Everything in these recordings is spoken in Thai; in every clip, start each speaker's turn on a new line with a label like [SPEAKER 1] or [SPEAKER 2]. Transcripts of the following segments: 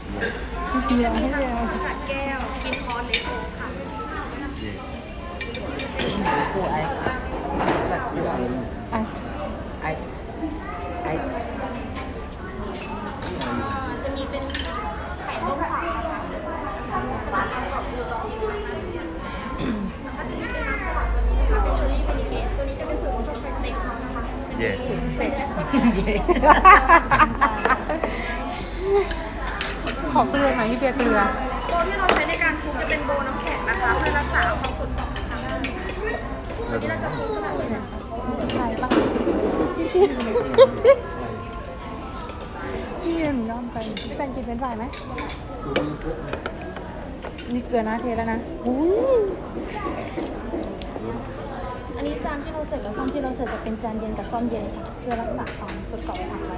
[SPEAKER 1] เบียร์ให้เบียร์
[SPEAKER 2] แก้วกินคอนเล็กโอ๊กค่ะ
[SPEAKER 3] Cool ice. Salad cool ice.
[SPEAKER 1] ไอ
[SPEAKER 3] Ice. Ice.
[SPEAKER 2] จะมีเป็นไข่ต้มสาค่ะแล้วก็จะมีเป็นน้ำสลัดตัวนี้นะคะเป็นเชอร์รี่เวนิเกตตัวนี้จะเป็นสูตรของชอบใช้สเต็กเขานะคะเสร็จ
[SPEAKER 1] ขอเกลือหน่อยที่เบียร์เกลือ
[SPEAKER 2] โบที่เราใช้ในการคลุกจะเป็นโบน้ำแข็งนะคะเพื่อรักษาความสดของน้ำวันนี้เราจะคลุกสลัดเลยค่ะ
[SPEAKER 1] ไทยปะพี่เบียร์หนูยอมใจพี่แตนกินเป็นฝ่ายไหมนี่เกลือนะเทแล้วนะอุ้ย
[SPEAKER 2] อันนี้จานที่เราเสิร์ฟกับซ่อมที่เราเสิร์ฟจะเป็นจานเย็นกับซ่อมเย็นค่ะเพื่อรักษาความสดเก่าไว้ผักไว้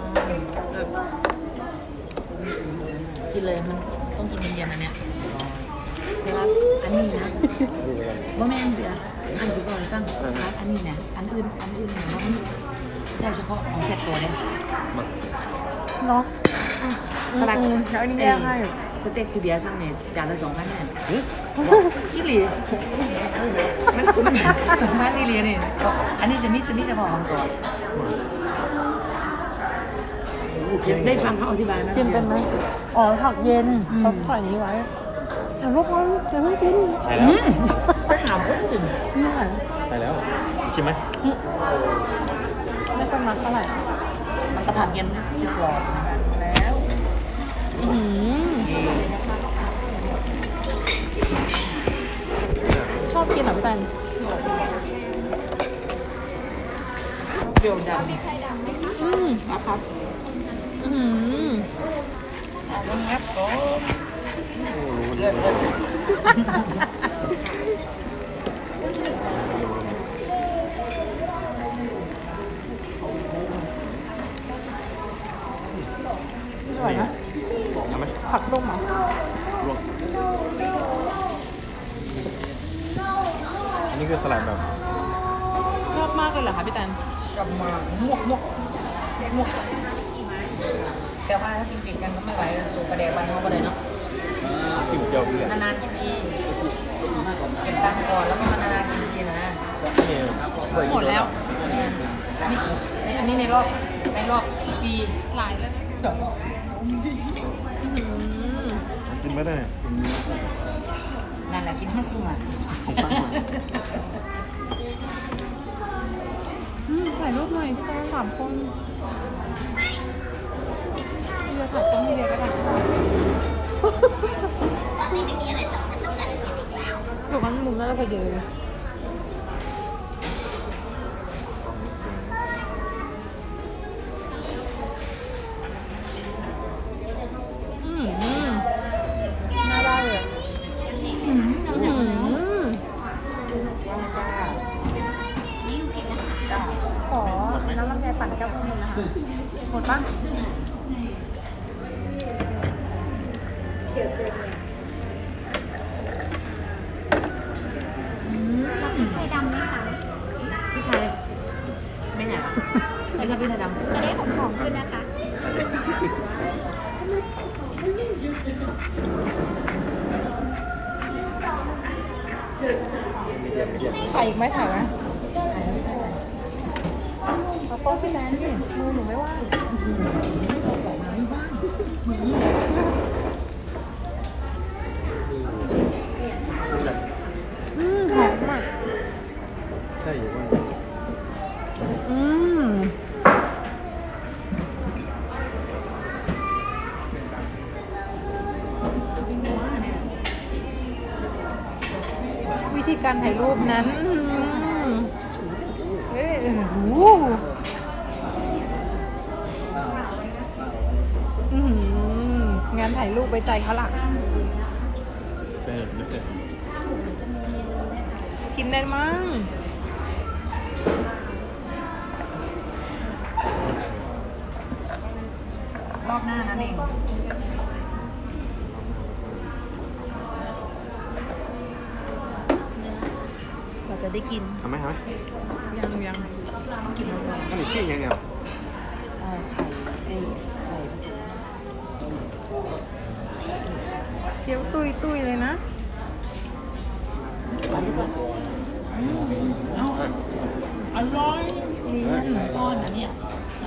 [SPEAKER 3] กินเลยมันต้องกินเย็นๆอันเนี้ยสลัดอันนี้นะบ่แม่นเบียร์อันสิบอกให้ฟังสลัดอันนี้เนี่ยอันอื่นเนี่ยบ่มีใช่เฉพาะของเซตตัวเด้
[SPEAKER 1] เนาะ
[SPEAKER 3] สลัด
[SPEAKER 1] แล้วอันนี้แยกให้
[SPEAKER 3] สเต็กคือเบียร์สั่งเนี่ยจานละ2,000เนี่ยอีหลีมัน2,000อีหลีนี่อันนี้จะมีเฉพาะของตัวได้ฟังเขาอธิบายไหม
[SPEAKER 1] กินเป็นไหมอ๋อผักเย็นเขาปล่อยนี้ไว้แต่ลูกมันจะไม่กิน
[SPEAKER 4] ใช่แล้ว
[SPEAKER 3] ไปถามคนอื่น
[SPEAKER 1] นี่ไง
[SPEAKER 4] ใช่แล้วชิมไหม
[SPEAKER 1] ไม่เป็นมักเท่าไหร่
[SPEAKER 3] มันกระผักเย็นจะกรอบแล้ว
[SPEAKER 1] ชอบกินเหรอพี่แตน
[SPEAKER 3] เปรี้ยวดำครับครับผมเลิศ
[SPEAKER 1] อร่อยนะ
[SPEAKER 4] ทำไหม
[SPEAKER 1] ผักต้มเหรอ
[SPEAKER 4] ลวกอันนี้คือสลัดแบบ
[SPEAKER 1] ชอบมากเลยเหรอคะพี่แตน
[SPEAKER 3] ชอบมากมวกแต่ว่าถ้ากินติดกันก็ไม่ไหวสูบประเดี๋ยวบ้านเขาก็เลยเนาะ
[SPEAKER 4] จิ้มเจียวเพื่อน
[SPEAKER 3] นานๆกินทีเก็บตังค์ก่อนแล้วก็มานานๆกินทีนะ
[SPEAKER 1] หมดแล้ว
[SPEAKER 3] อันนี้ในรอบปี
[SPEAKER 1] หลายแล้ว
[SPEAKER 4] กินไม่ได้เนี่ย
[SPEAKER 3] นั่นแหละกินให้มันคุ้มอ่ะ
[SPEAKER 1] ถ่ายรูปหน่อยพี่แตน3 คนพี่เบียร์ถ่ายต้องพี่เบียร์ก็ได้ถูกมันมุมแล้วก็ไปเดินน่าได้เลยขอน้ำลำไยปั่นแก้วนึงนะคะหมดปะ
[SPEAKER 2] ไข่ดำไหมคะ
[SPEAKER 3] พี่ไทยไม่ไหนอ่ะไม่ชอบพี่ไทยดำ
[SPEAKER 2] จะได้หอมๆขึ้นนะคะ
[SPEAKER 1] ถ่ายอีกไหมถ่ายไหมเอาโต๊ะพี่แนนนี่มือหนูไม่ว่างหอมมาก
[SPEAKER 4] ใช่อยู่ว่า
[SPEAKER 1] วิธีการถ่ายรูปนั้นเฮ้ยงานถ่ายรูปไว้ใจเขาล่ะ
[SPEAKER 4] เป็นเสร็จ
[SPEAKER 1] กินได้มั้ง
[SPEAKER 3] รอบหน้านั่นเอง
[SPEAKER 1] เราจะได้กิน
[SPEAKER 4] ทำไหม
[SPEAKER 1] ยัง
[SPEAKER 3] ต้องกินแล้วใช่ไหม
[SPEAKER 4] อันนี้ขี้ยังไง
[SPEAKER 3] ไข่ผสม
[SPEAKER 1] คี้ยวตุยตุยเลยนะ
[SPEAKER 3] อร่อย
[SPEAKER 1] นี่
[SPEAKER 3] ก้อนนะเนี่ย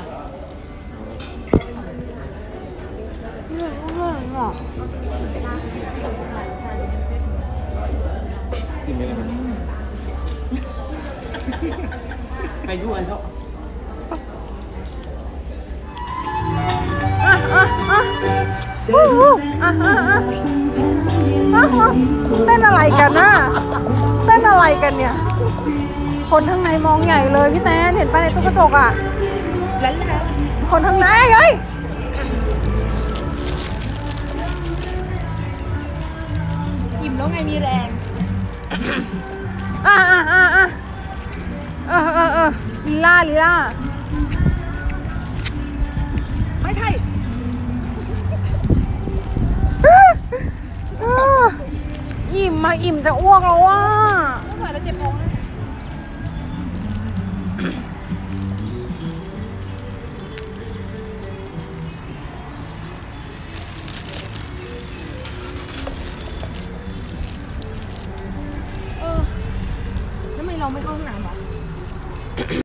[SPEAKER 1] เลือดเลือดหรอ
[SPEAKER 4] กินไม่ได้ไหม
[SPEAKER 3] ไปด้วยเถอะ
[SPEAKER 1] เต้นอะไรกันน่ะเต้นอะไรกันเนี่ย คนข้างในมองใหญ่เลยพี่แตนเห็นปะในตู้กระจกอ่ะ
[SPEAKER 2] แล้ว
[SPEAKER 1] คนข้างในเฮ้ย
[SPEAKER 2] อิ่มแล้วไงมีแรง
[SPEAKER 1] ลีลาลีลา
[SPEAKER 2] ไม่ใช่
[SPEAKER 1] อิ่มมาอิ่มจะอ้วกแล้วว่ะ
[SPEAKER 2] ไม่ไหวแล้วเจ็บท้องแล้ว ทำไมเราไม่เข้าห้องน้ำ